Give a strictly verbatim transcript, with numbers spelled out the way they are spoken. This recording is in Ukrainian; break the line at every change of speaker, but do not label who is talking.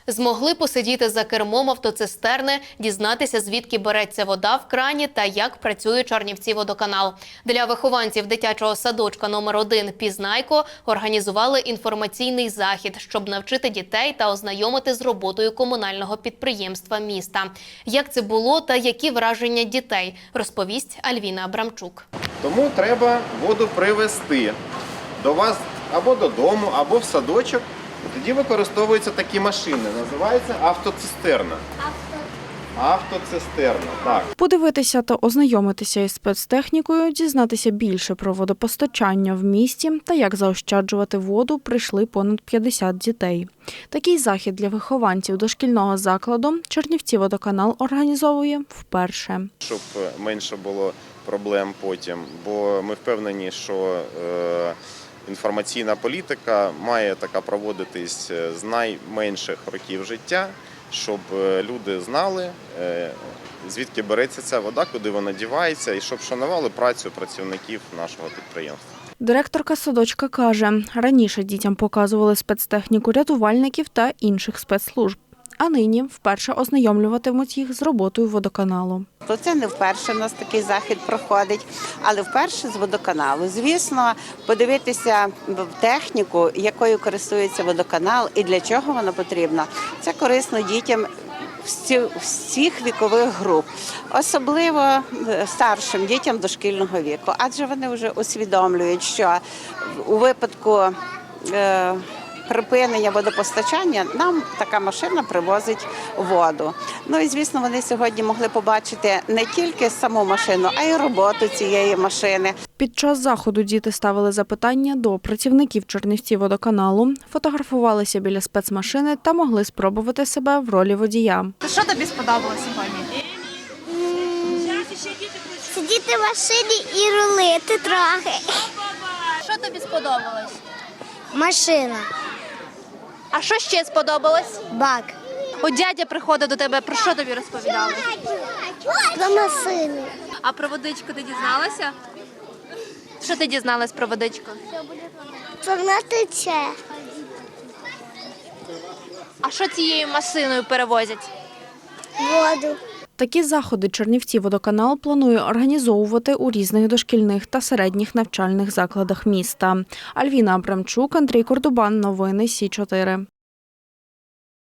Змогли посидіти за кермом автоцистерни, дізнатися, звідки береться вода в крані та як працює Чернівці-водоканал. Для вихованців дитячого садочка номер один «Пізнайко» організували інформаційний захід, щоб навчити дітей та ознайомити з роботою комунального підприємства міста. Як це було та які враження дітей, розповість Альвіна Абрамчук.
Тому треба воду привезти до вас або додому, або в садочок. Тоді використовуються такі машини, називається автоцистерна. Автоцистерна, так.
Подивитися та ознайомитися із спецтехнікою, дізнатися більше про водопостачання в місті та як заощаджувати воду прийшли понад п'ятдесят дітей. Такий захід для вихованців дошкільного закладу Чернівці-водоканал організовує вперше.
Щоб менше було проблем потім, бо ми впевнені, що е, інформаційна політика має така проводитись з найменших років життя, щоб люди знали, звідки береться ця вода, куди вона дівається, і щоб шанували працю працівників нашого підприємства.
Директорка садочка каже, раніше дітям показували спецтехніку рятувальників та інших спецслужб, а нині вперше ознайомлюватимуть їх з роботою водоканалу.
Це не вперше у нас такий захід проходить, але вперше з водоканалу. Звісно, подивитися в техніку, якою користується водоканал і для чого вона потрібна. Це корисно дітям всіх вікових груп, особливо старшим дітям дошкільного віку, адже вони вже усвідомлюють, що у випадку е припинення водопостачання нам така машина привозить воду. Ну і, звісно, вони сьогодні могли побачити не тільки саму машину, а й роботу цієї машини.
Під час заходу діти ставили запитання до працівників Чернівці-водоканалу, фотографувалися біля спецмашини та могли спробувати себе в ролі водія.
Що тобі сподобалося сьогодні?
Сидіти в машині і рулити трохи.
Що тобі сподобалось?
Машина,
А що ще сподобалось?
бак,
От дядя приходив до тебе, про що тобі розповідали?
про машину.
А про водичку ти дізналася? Що ти дізналась про водичку?
Що вона тече.
А що цією машиною перевозять?
Воду.
Такі заходи Чернівці-водоканал планує організовувати у різних дошкільних та середніх навчальних закладах міста. Альвіна Абрамчук, Андрій Кордубан. Новини Сі чотири.